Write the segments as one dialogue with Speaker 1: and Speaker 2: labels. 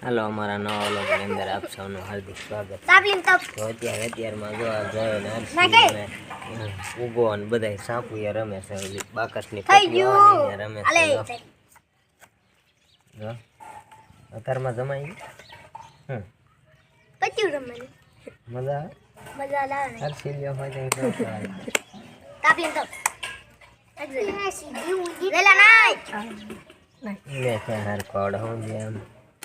Speaker 1: Hello हमारा नवा vlog के अंदर आप सबનું हार्दिक स्वागत तो અત્યારમાં જો આ જોયો ને હર્ષિને ઉગો અને બધાય સાપુએ રમે છે ઓલી બાકસની પટ્ટીઓ આવે ને રમે છે જો અત્યારમાં જમાઈ
Speaker 2: પટ્ટીઓ રમવાની
Speaker 1: મજા
Speaker 2: આવે
Speaker 1: હર્ષિ લ્યો હોય તો
Speaker 2: તાપલીન તો વેલા નાઈ
Speaker 1: લે છે હર કોડ હું જેમ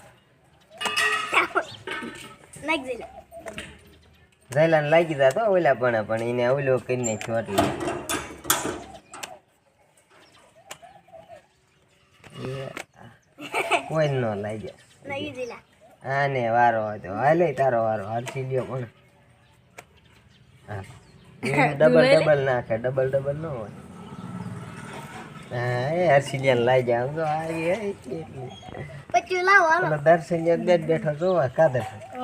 Speaker 2: નાઈ વેલા
Speaker 1: જયલાને લાગી જાતો ઓલા પણ એને ઓલો કરી નાખ્યો એટલે કોઈ ન લાગ્યા
Speaker 2: નાઈ વેલા
Speaker 1: આને વારો હતો હાલે તારો વારો હરસી લ્યો પણ હા ડબલ નાખે ડબલ ન હોય હા એ હરસી લ્યાને લાગ્યા આમ તો આવી એટલી
Speaker 2: પટ્ટીઓ લાવો હાલો
Speaker 1: દર્શન બેઠો જોવા કાદર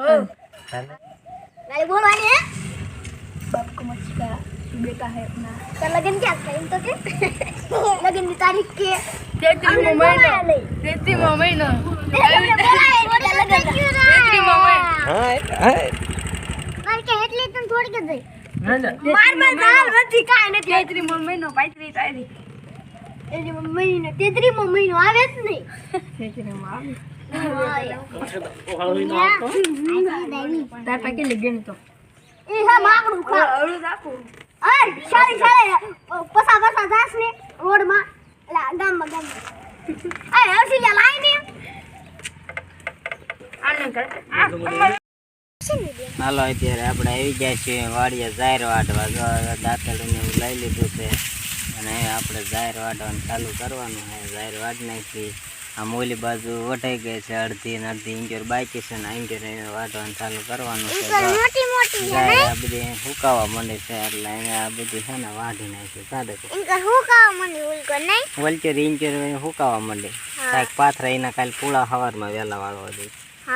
Speaker 2: नाले बोलवानी है बाप को मचका बेटा है अपना तो लगन क्या था इन तो के लगन की तारीख के 33 महीना 33 महीना लगन 33 महीना
Speaker 1: हाय
Speaker 2: मार के એટલે તને થોડી કે દઈ માર દાલ નથી કાઈ નથી 33 મહિનો 35 તારીખ 33 મહિનો આવે જ નહીં 33 માં આવે તાર પાકે લગન તો એ હા માકડું ખા અળું રાખો અરે શાળી પસા જાસ ને રોડ માં એલા ગામ અરે હર્ષિલા લાઈ ને આને કર
Speaker 1: હાલો અત્યારે આપણે આવી ગયા છીએ વાડીએ જાહેર વાટવા જો દાંતડીને લઈ લીધું છે અને આપણે જાહેર વાટવાનું ચાલુ કરવાનું છે જાહેર વાટ નાખી આ મોલી બાજુ વટાઈ ગઈ છે અડધી ને અડધી ઇંચર બાકી છે ને ઇંચર વાટવાનું ચાલુ કરવાનું છે આ બધી હુકાવા માંડે છે એટલે એને આ બધી છે ને વાઢી નાખી કાઢે વલચર ઇંચર હુકાવા માંડે કાંઈક પાથરા એના કાલે પૂળા સવારમાં વહેલા વાળવા દે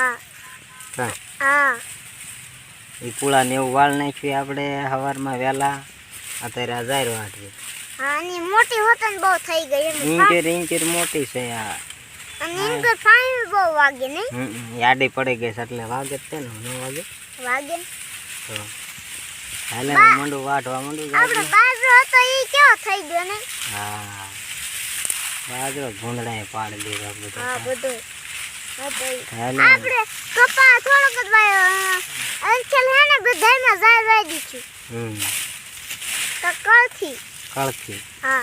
Speaker 1: એ પૂળા ને એવું વાળ નાખ્યું આપણે સવારમાં વહેલા અત્યારે આ જાહેર વાટવી
Speaker 2: મોટી હોતન બહુ થઈ ગઈ
Speaker 1: ઇંચર મોટી છે આ
Speaker 2: અને ઇનકો ફાઈન બહુ વાગે નહીં
Speaker 1: યાડી પડી ગઈ છે એટલે વાગે છે ને ન વાગે તો હાલે મંડું વાટવા મંડું
Speaker 2: આપણે બાજરો હતો ઈ કેવો થઈ ગયો ને
Speaker 1: હા બાજરો ભૂંદડાએ પાડી દીધો બધું
Speaker 2: હા બધું
Speaker 1: હાલે
Speaker 2: આપણે કપા થોડોક જ વાયો અંચલ હે ને બધાયમાં જાય વાઈ દીધું તો કળથી હા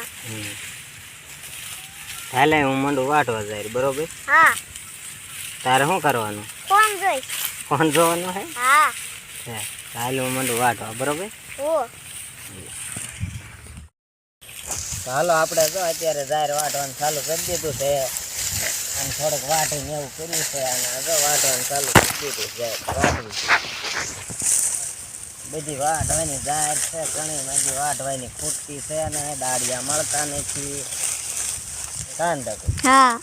Speaker 1: હાલે હું મંડું વાટવા જાય બરોબર
Speaker 2: હા
Speaker 1: તારે શું કરવાનું ફોન જોવાનું હે
Speaker 2: હા
Speaker 1: હાલે હું મંડું વાટવા બરોબર હાલો આપણે જો અત્યારે જાહેર વાટવાનું ચાલુ કરી દીધું છે અને થોડુંક વાટીને એવું કર્યું છે અને જો વાટવાનું ચાલુ કરી દીધું છે બધી વાટવાની જાહેર છે ઘણી બધી વાટવાની ખૂટતી છે અને દાળિયા મળતા નથી કાંદ
Speaker 2: હા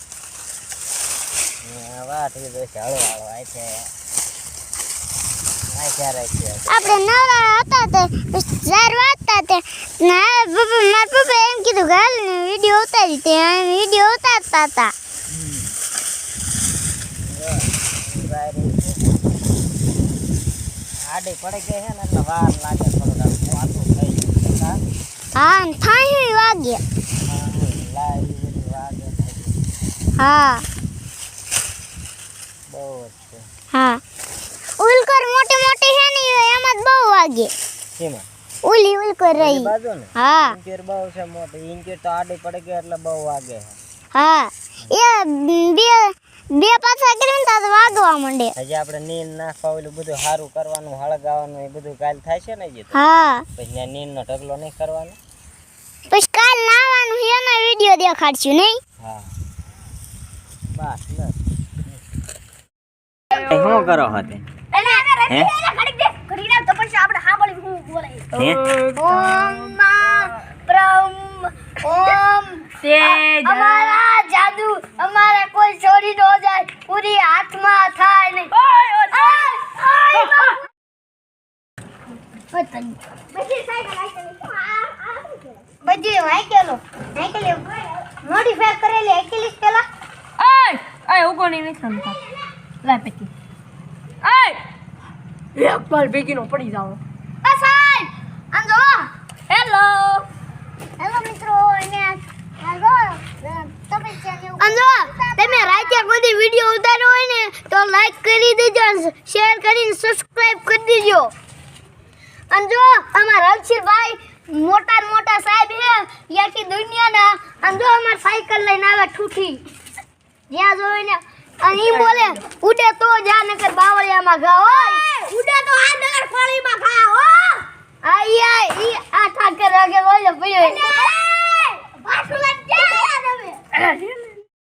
Speaker 1: વાટી દો છે હળો આ છે
Speaker 2: આપણે નવરા હતા તે જાર વાટતા તે ના મારા પપ્પા એમ કીધું ગાલ ને વિડિયો ઉતારી તે વિડિયો ઉતારતા હતા
Speaker 1: આડે પડે ગઈ છે ને એટલે વાર લાગે થોડું વાતું થઈ ગયું
Speaker 2: હા થાય વાગે હા
Speaker 1: બહુ છે
Speaker 2: હા ઉલકર મોટી મોટી છે ને એમાં જ બહુ વાગે
Speaker 1: કેમાં
Speaker 2: ઉલકર રહી
Speaker 1: બાજુ ને
Speaker 2: હા
Speaker 1: ઇંચર બહુ છે મોટી ઇંચર તો આડે પડે ગઈ એટલે બહુ વાગે
Speaker 2: હા એ બે પાછા કરીને તો વાગવા માંડે
Speaker 1: હજી આપણે નીન નાખવા ઓલું બધું સારું કરવાનું હળગાવાનું એ બધું કાલ થાય છે ને જે
Speaker 2: હા
Speaker 1: પછી નીનનો ઢગલો નહીં કરવાનો
Speaker 2: પછી કાલ નાવાનું એનો વિડિયો દેખાડશું નહીં
Speaker 1: હા બસ બસ શું કરો હતે હે
Speaker 2: ઘડી ના તો પછી આપણે સાંભળી હું બોલે
Speaker 1: હે
Speaker 2: ઓમ માં બ્રહ્મ ઓમ તેજ અમારા જાદુ અમારા કોઈ ચોરી ન જાય પૂરી હાથમાં થાય નહીં બધી વાઈકેલો મોડિફાઈ કરેલી એકેલીસ પેલા
Speaker 3: Ay, ugo ni ni santa.
Speaker 2: લાય પેટી
Speaker 3: એક બાર ભેગી નો પડી જાવ
Speaker 2: આ સાહેબ આમ જો હેલો મિત્રો એને હેલો અંજો તમે રાતે કોઈ વિડિયો ઉતાર્યો હોય ને તો લાઈક કરી દેજો શેર કરીને સબસ્ક્રાઇબ કરી દેજો અંજો અમારા રણછીરભાઈ મોટા સાહેબ હે યાકી દુનિયાના અંજો અમાર સાયકલ લઈને આવે ઠૂઠી જ્યાં જોઈને અને ઈ બોલે ઉડે તો જા નકર બાવળિયામાં ઘા હોય ઉડે તો આ નગર ફળીમાં ઘા હો આઈ ઈ આ ઠાકર રગે બોલે પડ્યો પાછું લઈ જા તમે